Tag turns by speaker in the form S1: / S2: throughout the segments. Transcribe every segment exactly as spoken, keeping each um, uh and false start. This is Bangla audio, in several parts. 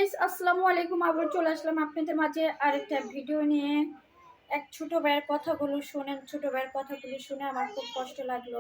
S1: গাইস, আসসালামু আলাইকুম। আবার চলে আসলাম আপনাদের মাঝে আরেকটা ভিডিও নিয়ে। এক ছোট ভাইয়ের কথাগুলো শুনেন। ছোট ভাইয়ের কথাগুলো শুনে আমার খুব কষ্ট লাগলো।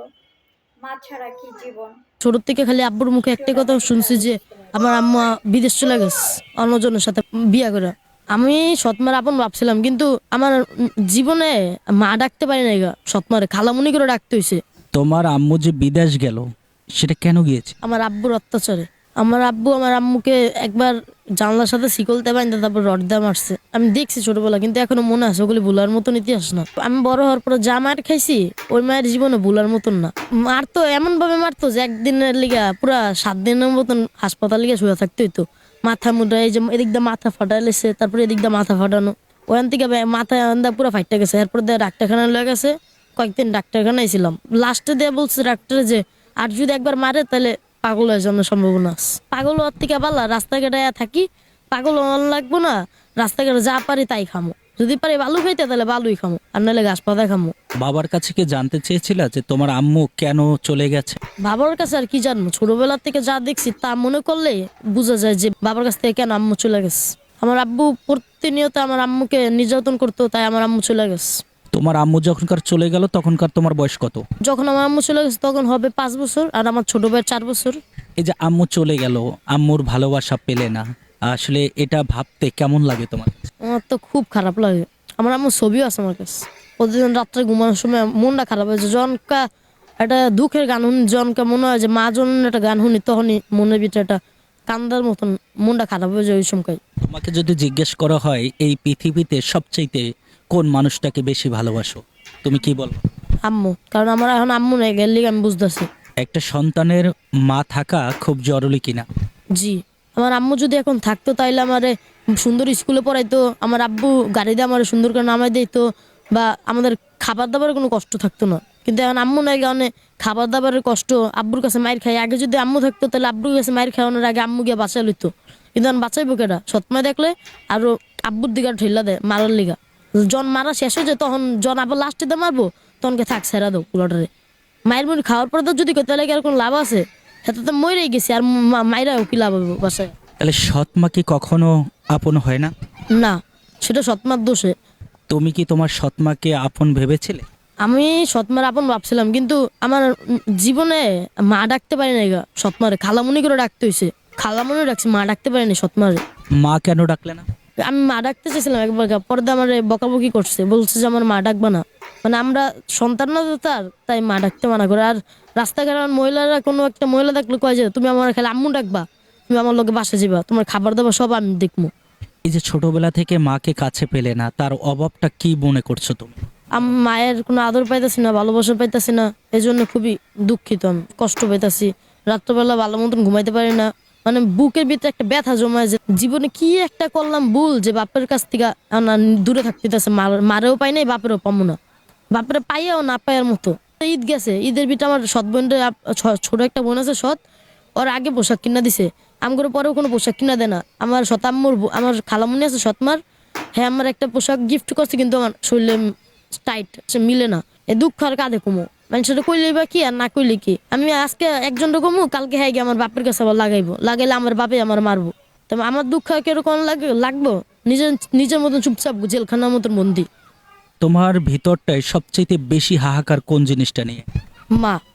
S1: মা ছাড়া কি জীবন।
S2: ছোট থেকে খালি আব্বুর মুখে একটাই কথা শুনছি যে আমার আম্মা বিদেশ চলে গেছে অন্যজনের সাথে বিয়া করে। আমি সৎমার আপন ভাবছিলাম, কিন্তু আমার উম জীবনে মা ডাকতে পারি নাই গা, সৎমারে খালামুনি করে ডাকতে হইছে।
S3: তোমার আম্মু যে বিদেশ গেল সেটা কেন গিয়েছে?
S2: আমার আব্বুর অত্যাচারে। আমার আব্বু আমার আম্মুকে একবার জানলার সাথে শিকলতে বাইন্ধে তারপর রড দিয়ে মারছে। আমি দেখছি ছোটবেলা, কিন্তু এখনো মনে আছে, ওগুলি ভুলার মতন ইতিহাস না। আমি বড় হওয়ার পরে যা মার খাইছি ওই মায়ের জীবনে ভুলার মতন না। মারতো এমন ভাবে মারতো যে একদিনের লিগা পুরা সাত দিনের মতন হাসপাতাল লিগা শুয়ে থাকতে হইতো। মাথা মুডা এই যে এদিক দিয়ে মাথা ফাটা লেছে, তারপরে এদিক দিয়ে মাথা ফাটানো, ওখান থেকে মাথা আন্দা পুরা ফাইটটা গেছে। এরপর দিয়ে ডাক্তারখানা লয়ে গেছে, কয়েকদিন ডাক্তারখানায় ছিলাম। লাস্টে দিয়ে বলছে ডাক্তারে যে আর যদি একবার মারে তাহলে পাগল হয়ে যাওয়ার সম্ভাবনা আছে। পাগল হওয়ার থেকে পারলা রাস্তাঘাটে থাকি, পাগল হওয়ার লাগবো না, রাস্তাঘাটে যা পারি তাই খামো। যদি পারি বালু খাইতে তাহলে বালুই খামো, আর নাহলে ঘাস পাতা খামো।
S3: বাবার কাছে কি জানতে চেয়েছিলা যে তোমার আম্মু কেন চলে গেছে?
S2: বাবার কাছে আর কি জানবো, ছোটবেলা থেকে যা দেখছি তা মনে করলে বোঝা যায় যে বাবার কাছ থেকে কেন আম্মু চলে গেছে। আমার আব্বু প্রতিনিয়ত আমার আম্মুকে নির্যাতন করতো, তাই আমার আম্মু চলে গেছে।
S3: তোমার আম্মু যখনকার চলে গেল তখনকার তোমার বয়স কত?
S2: যখন আমার আম্মু চলে গেছে তখন হবে পাঁচ বছর, আর আমার ছোট ভাইয়ের চার বছর।
S3: এই যে আম্মু চলে গেল, আম্মুর ভালোবাসা পেলে না, আসলে এটা ভাবতে কেমন লাগে তোমার?
S2: আমার তো খুব খারাপ লাগে। আমার আম্মুর ছবিও আছে আমার কাছে। প্রতিদিন রাত্রে ঘুমানোর সময় মনটা খারাপ হয়েছে। জনকা একটা দুঃখের গান শুনি, জনকা মনে হয় যে মা জন একটা গান শুনি, তখনই মনের ভিতরে একটা কান্দার মতন মনটা খারাপ হয়ে যায় ওই সময়।
S3: তোমাকে যদি জিজ্ঞেস করা হয় এই পৃথিবীতে সবচাইতে কোন মানুষটাকে বেশি ভালোবাসো, তুমি কি বল?
S2: আম্মু, কারণ আমার এখন আম্মু নেই, গেলে আমি বুঝতেছি।
S3: একটা সন্তানের মা থাকা খুব জরুরি কিনা?
S2: জি, আমার আম্মু যদি এখন থাকতো তাইলে আমারে সুন্দর স্কুলে পড়াইতো, আমার আব্বু গাড়ি দিয়ে আমার সুন্দর করে নামাই দিত, বা আমাদের খাবার দাবারের কোনো কষ্ট থাকতো না। কিন্তু এখন আম্মু নাই কারণে খাবার দাবারের কষ্ট, আব্বুর কাছে মায়ের খাই। আগে যদি আম্মু থাকতো তাহলে আব্বুর কাছে মায়ের খাওয়ানোর আগে আম্মু গিয়ে বাঁচাই লইতো, কিন্তু এখন বাঁচাইবো কেটা? সৎমা দেখলে আরো আব্বুর দিকে ঠেলা দেয় মারার লিগা। জন মারা শেষ হয়ে যায়, তখন জন আবার লাস্টে দিয়ে মারবো, তখনকে থাক ছেড়া দাও পুরোটারে। মায়ের মুড়ি খাওয়ার পরে তো যদি তাহলে কি আর কোনো লাভ আছে? সেটা তো মরেই গেছি, আর মায়েরাও কি লাভ হবে বাসায়?
S3: তাহলে সৎ মা কি কখনো আপন হয় না?
S2: না, সেটা সৎমার দোষে।
S3: তুমি কি তোমার সৎ মাকে আপন ভেবেছিলে?
S2: আমি সৎমার আপন ভাবছিলাম, কিন্তু আমার উম জীবনে মা ডাকতে পারি নাই গা, সৎমারে খালামুনি করে ডাকতে হয়েছে। খালামুনি ডাকছি, মা ডাকতে পারিনি সৎমারে।
S3: মা কেন ডাকলে না?
S2: আমি মা ডাকতে চাইছিলাম একবার, পরে আমার বকাবকি করছে, বলছে যে আমার মা ডাকবা না। মানে আমরা সন্তান না তো তার, তাই মা ডাকতে মানা করে। আর রাস্তাঘাট আমার মহিলারা কোনো একটা মহিলা দেখলে কয় যে তুমি আমার খালি আম্মু ডাকবা, তুমি আমার লোকে বাসা যাবা, তোমার খাবার দাবার সব আমি দেখবো।
S3: এই যে ছোটবেলা থেকে মাকে কাছে পেলে না, তার অভাবটা কি মনে করছো তুমি?
S2: আমি মায়ের কোনো আদর পাইতেছি না, ভালোবাসা পাইতেছি না, এই জন্য খুবই দুঃখিত। আমি কষ্ট পাইতেছি, রাত্রবেলা ভালো মতন ঘুমাইতে পারি না। মানে বুকের ভিতরে একটা ব্যথা জমায় যে জীবনে কি একটা করলাম ভুল, যে বাপের কাছ থেকে না দূরে থাকতেছে। মারেও পাই নাই, বাপেরও পাবো না, বাপের পাইয়াও না পাইয়ার মতো। ঈদ গেছে, ঈদের ভিতরে আমার সৎ বোনের ছোট একটা বোন আছে সৎ, ওর আগে পোশাক কিনা দিছে, আমগুলো পরেও কোনো পোশাক কিনা দেয় না। আমার শতাম্মুর আমার খালামুনি আছে সৎমার, হ্যাঁ আমার একটা পোশাক গিফট করছে, কিন্তু আমার শরীরে টাইট সে মিলে না। এ দুঃখ আর কাঁধে কমো, মানে সেটা কইলে বা কি আর না কইলে কি। আমি আজকে একজন কমু, কালকে হ্যাঁ গিয়ে আমার বাপের কাছে আবার লাগাইবো, লাগাইলে আমার বাপে আমার মারবো। তবে আমার দুঃখ কিরকম লাগে লাগবো, নিজের নিজের মতন চুপচাপ জেলখানার মতন বন্দি।
S3: তোমার ভিতরটায় সবচেয়ে বেশি হাহাকার কোন জিনিসটা নিয়ে?
S2: মা।